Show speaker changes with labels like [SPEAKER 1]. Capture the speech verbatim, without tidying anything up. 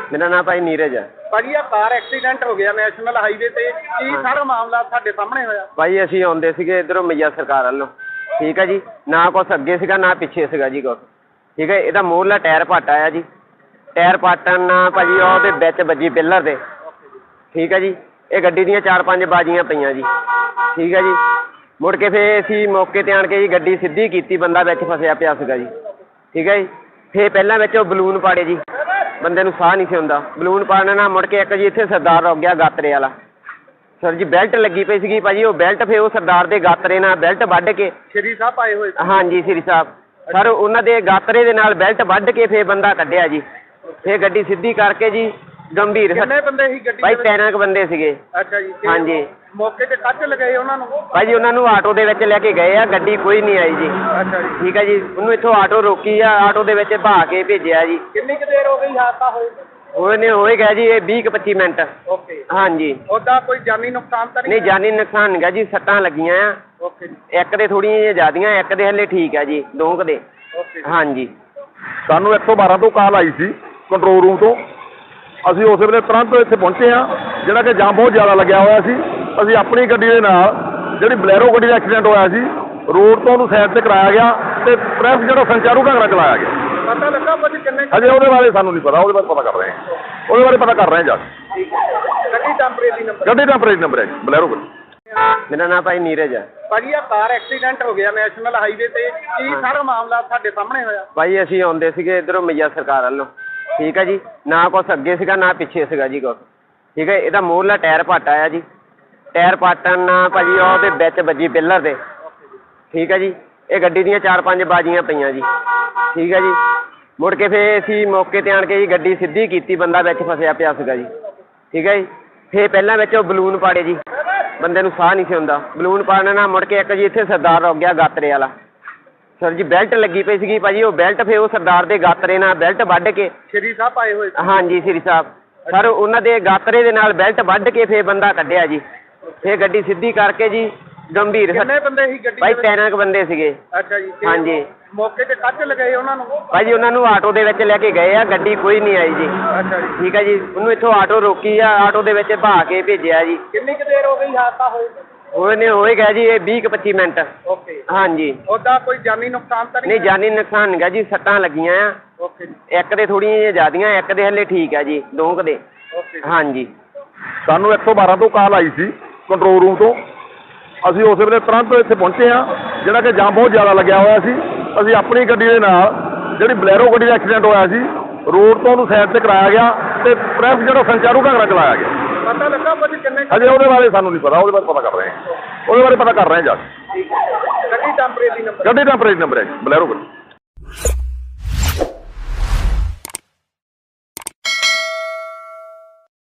[SPEAKER 1] मेरा नाम भाई नीरज है।
[SPEAKER 2] ਭਾਜੀ ਆ ਕਾਰ ਐਕਸੀਡੈਂਟ ਹੋ ਗਿਆ ਨੈਸ਼ਨਲ ਹਾਈਵੇ ਤੇ ਕੀ ਸਾਰਾ ਮਾਮਲਾ ਤੁਹਾਡੇ ਸਾਹਮਣੇ ਹੋਇਆ?
[SPEAKER 1] ਭਾਈ ਅਸੀਂ ਆਉਂਦੇ ਸੀਗੇ ਇੱਧਰੋਂ ਮਈਆ ਸਰਕਾਰ ਵੱਲੋਂ, ਠੀਕ ਹੈ ਜੀ। ਨਾ ਕੁਛ ਅੱਗੇ ਸੀਗਾ ਨਾ ਪਿੱਛੇ ਸੀਗਾ ਜੀ ਕੁਛ, ਠੀਕ ਹੈ। ਇਹਦਾ ਮੂਹਰਲਾ ਟਾਇਰ ਪੱਟ ਆਇਆ ਜੀ। ਟਾਇਰ ਪਾਟਣ ਨਾਲ ਭਾਜੀ ਉਹਦੇ ਵਿੱਚ ਵੱਜੀ ਪਿੱਲਰ ਦੇ, ਠੀਕ ਹੈ ਜੀ। ਇਹ ਗੱਡੀ ਦੀਆਂ ਚਾਰ ਪੰਜ ਬਾਜੀਆਂ ਪਈਆਂ ਜੀ, ਠੀਕ ਹੈ ਜੀ। ਮੁੜ ਕੇ ਫਿਰ ਅਸੀਂ ਮੌਕੇ 'ਤੇ ਆਣ ਕੇ ਜੀ ਗੱਡੀ ਸਿੱਧੀ ਕੀਤੀ, ਬੰਦਾ ਵਿੱਚ ਫਸਿਆ ਪਿਆ ਸੀਗਾ ਜੀ, ਠੀਕ ਹੈ ਜੀ। ਫਿਰ ਪਹਿਲਾਂ ਵਿੱਚ ਉਹ ਬਲੂਨ ਪਾੜੇ ਜੀ, ਬੰਦੇ ਨੂੰ ਸਾਹ ਨਹੀਂ ਸੀ ਹੁੰਦਾ। ਬਲੂਨ ਪਾੜਨ ਨਾਲ ਮੁੜ ਕੇ ਇੱਕ ਜੀ ਇੱਥੇ ਸਰਦਾਰ ਰੁਕ ਗਿਆ ਗਾਤਰੇ ਵਾਲਾ ਸਰ ਜੀ। ਬੈਲਟ ਲੱਗੀ ਪਈ ਸੀਗੀ ਭਾਜੀ, ਉਹ ਬੈਲਟ ਫਿਰ ਉਹ ਸਰਦਾਰ ਦੇ ਗਾਤਰੇ ਨਾਲ ਬੈਲਟ ਵੱਢ ਕੇ
[SPEAKER 2] ਸ਼੍ਰੀ ਸਾਹਿਬ ਆਏ ਹੋਏ?
[SPEAKER 1] ਹਾਂਜੀ ਸ਼੍ਰੀ ਸਾਹਿਬ ਸਰ, ਉਹਨਾਂ ਦੇ ਗਾਤਰੇ ਦੇ ਨਾਲ ਬੈਲਟ ਵੱਢ ਕੇ ਫਿਰ ਬੰਦਾ ਕੱਢਿਆ ਜੀ। ਫਿਰ ਗੱਡੀ ਸਿੱਧੀ ਕਰਕੇ ਜੀ ਗੰਭੀਰ
[SPEAKER 2] ਕਿੰਨੇ ਬੰਦੇ ਸੀ ਗੱਡੀ
[SPEAKER 1] ਭਾਈ? ਤਿੰਨ ਕੁ ਬੰਦੇ ਸੀਗੇ।
[SPEAKER 2] ਅੱਛਾ ਜੀ।
[SPEAKER 1] ਹਾਂਜੀ।
[SPEAKER 2] ਮੌਕੇ ਤੇ ਕੱਚ ਲਗਾਏ ਉਹਨਾਂ ਨੂੰ?
[SPEAKER 1] ਭਾਜੀ ਉਹਨਾਂ ਨੂੰ ਆਟੋ ਦੇ ਵਿੱਚ ਲੈ ਕੇ ਗਏ ਆ, ਗੱਡੀ ਕੋਈ ਨਹੀਂ ਆਈ ਜੀ।
[SPEAKER 2] ਅੱਛਾ ਜੀ।
[SPEAKER 1] ਠੀਕ ਹੈ ਜੀ। ਉਹਨੂੰ ਇੱਥੋਂ ਆਟੋ ਰੋਕੀ ਆ, ਆਟੋ ਦੇ ਵਿੱਚ ਭਾ ਕੇ ਭੇਜਿਆ ਜੀ।
[SPEAKER 2] ਕਿੰਨੀ ਕੁ ਦੇਰ ਹੋ ਗਈ ਹਾਦਸਾ ਹੋਏ?
[SPEAKER 1] ਉਹਨੇ ਹੋਏ ਗਿਆ ਜੀ ਇਹ ਵੀਹ ਕੁ ਪੱਚੀ ਮਿੰਟ।
[SPEAKER 2] ਓਕੇ।
[SPEAKER 1] ਹਾਂਜੀ।
[SPEAKER 2] ਉਹਦਾ ਕੋਈ ਜਾਨੀ ਨੁਕਸਾਨ ਤਾਂ ਨਹੀਂ?
[SPEAKER 1] ਨਹੀਂ ਜਾਨੀ ਨੁਕਸਾਨ ਨਹੀਂ ਗਾ ਜੀ, ਸੱਟਾਂ ਲੱਗੀਆਂ ਆ।
[SPEAKER 2] ਓਕੇ ਜੀ।
[SPEAKER 1] ਇੱਕ ਦੇ ਥੋੜ੍ਹੀਆਂ ਜਿਹੀਆਂ ਜ਼ਿਆਦੀਆਂ, ਇੱਕ ਦੇ ਹਲੇ ਠੀਕ ਆ ਜੀ, ਦੋ ਕੁ ਦੇ।
[SPEAKER 2] ਓਕੇ।
[SPEAKER 1] ਹਾਂਜੀ।
[SPEAKER 3] ਸਾਨੂੰ ਇੱਕ ਸੌ ਬਾਰਾਂ ਤੋਂ ਕਾਲ ਆਈ ਸੀ ਕੰਟਰੋਲ ਰੂਮ ਤੋਂ। ਅਸੀਂ ਉਸੇ ਵੇਲੇ ਤੁਰੰਤ ਇੱਥੇ ਪਹੁੰਚੇ ਹਾਂ, ਜਿਹੜਾ ਕਿ ਜਾਮ ਬਹੁਤ ਜ਼ਿਆਦਾ ਲੱਗਿਆ ਹੋਇਆ ਸੀ। ਅਸੀਂ ਆਪਣੀ ਗੱਡੀ ਦੇ ਨਾਲ ਜਿਹੜੀ ਬਲੈਰੋ ਗੱਡੀ ਦਾ ਐਕਸੀਡੈਂਟ ਹੋਇਆ ਸੀ, ਰੋਡ ਤੋਂ ਉਹਨੂੰ ਸਾਈਡ 'ਤੇ ਕਰਾਇਆ ਗਿਆ ਅਤੇ ਟ੍ਰੈਫਿਕ ਜਿਹੜਾ ਸੰਚਾਰੂ ਢੰਗ ਨਾਲ ਚਲਾਇਆ ਗਿਆ।
[SPEAKER 2] ਪਤਾ ਲੱਗਾ ਭਾਜੀ ਕਿੰਨੇ?
[SPEAKER 3] ਅਜੇ ਉਹਦੇ ਬਾਰੇ ਸਾਨੂੰ ਨਹੀਂ ਪਤਾ, ਉਹਦੇ ਬਾਰੇ ਪਤਾ ਕਰ ਰਹੇ ਹਾਂ। ਉਹਦੇ ਬਾਰੇ ਪਤਾ ਕਰ ਰਹੇ ਹਾਂ ਜਾ ਕੇ।
[SPEAKER 2] ਗੱਡੀ ਟੈਂਪਰੇਰੀ ਨੰਬਰ?
[SPEAKER 3] ਗੱਡੀ ਟੈਂਪਰੇਰੀ ਨੰਬਰ ਹੈ ਜੀ, ਬਲੈਰੋ ਗੱਡੀ।
[SPEAKER 1] ਮੇਰਾ ਨਾਮ ਭਾਈ ਨੀਰਜ ਹੈ।
[SPEAKER 2] ਭਾਜੀ ਆ ਕਾਰ ਐਕਸੀਡੈਂਟ ਹੋ ਗਿਆ ਨੈਸ਼ਨਲ ਹਾਈਵੇ ਤੇ ਕੀ ਸਾਰਾ ਮਾਮਲਾ ਤੁਹਾਡੇ ਸਾਹਮਣੇ ਹੋਇਆ?
[SPEAKER 1] ਭਾਈ ਅਸੀਂ ਆਉਂਦੇ ਸੀਗੇ ਇੱਧਰੋਂ ਮਈਆ ਸਰਕਾਰ ਵੱਲੋਂ, ਠੀਕ ਹੈ ਜੀ। ਨਾ ਕੁਛ ਅੱਗੇ ਸੀਗਾ ਨਾ ਪਿੱਛੇ ਸੀਗਾ ਜੀ ਕੁਛ, ਠੀਕ ਹੈ। ਇਹਦਾ ਮੂਹਰਲਾ ਟਾਇਰ ਪੱਟ ਆਇਆ ਜੀ। ਟਾਇਰ ਪਾਟਣ ਨਾਲ ਭਾਜੀ ਉਹਦੇ ਵਿੱਚ ਵੱਜੀ ਪਿੱਲਰ ਦੇ, ਠੀਕ ਹੈ ਜੀ। ਇਹ ਗੱਡੀ ਦੀਆਂ ਚਾਰ ਪੰਜ ਬਾਜੀਆਂ ਪਈਆਂ ਜੀ, ਠੀਕ ਹੈ ਜੀ। ਮੁੜ ਕੇ ਫਿਰ ਅਸੀਂ ਮੌਕੇ 'ਤੇ ਆਣ ਕੇ ਜੀ ਗੱਡੀ ਸਿੱਧੀ ਕੀਤੀ, ਬੰਦਾ ਵਿੱਚ ਫਸਿਆ ਪਿਆ ਸੀਗਾ ਜੀ, ਠੀਕ ਹੈ ਜੀ। ਫਿਰ ਪਹਿਲਾਂ ਵਿੱਚ ਉਹ ਬਲੂਨ ਪਾੜੇ ਜੀ, ਬੰਦੇ ਨੂੰ ਸਾਹ ਨਹੀਂ ਸੀ ਹੁੰਦਾ। ਬਲੂਨ ਪਾੜਨ ਨਾਲ ਮੁੜ ਕੇ ਇੱਕ ਜੀ ਇੱਥੇ ਸਰਦਾਰ ਰੁਕ ਗਿਆ ਗਾਤਰੇ ਵਾਲਾ ਸਰ ਜੀ। ਬੈਲਟ ਲੱਗੀ ਪਈ ਸੀਗੀ ਭਾਜੀ, ਉਹ ਬੈਲਟ ਫਿਰ ਉਹ ਸਰਦਾਰ ਦੇ ਗਾਤਰੇ ਨਾਲ ਬੈਲਟ ਵੱਢ ਕੇ
[SPEAKER 2] ਸ਼੍ਰੀ ਸਾਹਿਬ ਆਏ ਹੋਏ?
[SPEAKER 1] ਹਾਂਜੀ ਸ਼੍ਰੀ ਸਾਹਿਬ ਸਰ, ਉਹਨਾਂ ਦੇ ਗਾਤਰੇ ਦੇ ਨਾਲ ਬੈਲਟ ਵੱਢ ਕੇ ਫਿਰ ਬੰਦਾ ਕੱਢਿਆ ਜੀ। ਫਿਰ ਗੱਡੀ ਸਿੱਧੀ ਕਰਕੇ ਜੀ ਗੰਭੀਰ।
[SPEAKER 2] ਕਿੰਨੇ ਬੰਦੇ ਸੀ ਗੱਡੀ
[SPEAKER 1] ਭਾਈ ਤਿੰਨ ਕੁ ਬੰਦੇ ਸੀਗੇ।
[SPEAKER 2] ਅੱਛਾ ਜੀ।
[SPEAKER 1] ਹਾਂਜੀ।
[SPEAKER 2] ਮੌਕੇ ਤੇ ਕੱਚ ਲਗਾਏ ਉਹਨਾਂ ਨੂੰ?
[SPEAKER 1] ਭਾਜੀ ਉਹਨਾਂ ਨੂੰ ਆਟੋ ਦੇ ਵਿੱਚ ਲੈ ਕੇ ਗਏ ਆ, ਗੱਡੀ ਕੋਈ ਨਹੀਂ ਆਈ ਜੀ।
[SPEAKER 2] ਅੱਛਾ ਜੀ।
[SPEAKER 1] ਠੀਕ ਹੈ ਜੀ। ਉਹਨੂੰ ਇੱਥੋਂ ਆਟੋ ਰੋਕੀ ਆ, ਆਟੋ ਦੇ ਵਿੱਚ ਭਾ ਕੇ ਭੇਜਿਆ ਜੀ।
[SPEAKER 2] ਕਿੰਨੀ ਕੁ ਦੇਰ ਹੋ ਗਈ ਹਾਦਸਾ ਹੋਏ?
[SPEAKER 1] ਉਹਨੇ ਹੋਏ ਗਿਆ ਜੀ ਇਹ ਵੀਹ ਕੁ ਪੱਚੀ ਮਿੰਟ।
[SPEAKER 2] ਓਕੇ।
[SPEAKER 1] ਹਾਂਜੀ।
[SPEAKER 2] ਉਹਦਾ ਕੋਈ ਜਾਨੀ ਨੁਕਸਾਨ ਤਾਂ ਨਹੀਂ?
[SPEAKER 1] ਨਹੀਂ ਜਾਨੀ ਨੁਕਸਾਨ ਨਹੀਂ ਗਾ ਜੀ, ਸੱਟਾਂ ਲੱਗੀਆਂ ਆ।
[SPEAKER 2] ਓਕੇ ਜੀ।
[SPEAKER 1] ਇੱਕ ਦੇ ਥੋੜ੍ਹੀਆਂ ਜਿਹੀਆਂ ਜ਼ਿਆਦੀਆਂ, ਇੱਕ ਦੇ ਹਲੇ ਠੀਕ ਆ ਜੀ, ਦੋ ਕੁ ਦੇ।
[SPEAKER 2] ਓਕੇ।
[SPEAKER 1] ਹਾਂਜੀ।
[SPEAKER 3] ਸਾਨੂੰ ਇੱਕ ਸੌ ਬਾਰਾਂ ਤੋਂ ਕਾਲ ਆਈ ਸੀ ਕੰਟਰੋਲ ਰੂਮ ਤੋਂ। ਅਸੀਂ ਉਸੇ ਵੇਲੇ ਤੁਰੰਤ ਇੱਥੇ ਪਹੁੰਚੇ ਹਾਂ, ਜਿਹੜਾ ਕਿ ਜਾਮ ਬਹੁਤ ਜ਼ਿਆਦਾ ਲੱਗਿਆ ਹੋਇਆ ਸੀ। ਅਸੀਂ ਆਪਣੀ ਗੱਡੀ ਦੇ ਨਾਲ ਜਿਹੜੀ ਬਲੈਰੋ ਗੱਡੀ ਦਾ ਐਕਸੀਡੈਂਟ ਹੋਇਆ ਸੀ, ਰੋਡ ਤੋਂ ਉਹਨੂੰ ਸਾਈਡ 'ਤੇ ਕਰਾਇਆ ਗਿਆ ਅਤੇ ਟ੍ਰੈਫਿਕ ਜਿਹੜਾ ਸੰਚਾਰੂ ਢੰਗ ਨਾਲ ਚਲਾਇਆ ਗਿਆ।
[SPEAKER 2] ਪਤਾ ਲੱਗਾ ਭਾਜੀ ਕਿੰਨੇ?
[SPEAKER 3] ਅਜੇ ਉਹਦੇ ਬਾਰੇ ਸਾਨੂੰ ਨਹੀਂ ਪਤਾ, ਉਹਦੇ ਬਾਰੇ ਪਤਾ ਕਰ ਰਹੇ ਹਾਂ। ਉਹਦੇ ਬਾਰੇ ਪਤਾ ਕਰ ਰਹੇ ਹਾਂ ਜਾ ਕੇ।
[SPEAKER 2] ਗੱਡੀ ਟੈਂਪਰੇਰੀ ਨੰਬਰ?
[SPEAKER 3] ਗੱਡੀ ਟੈਂਪਰੇਰੀ ਨੰਬਰ ਹੈ ਜੀ, ਬਲੈਰੋ ਗੱਡੀ।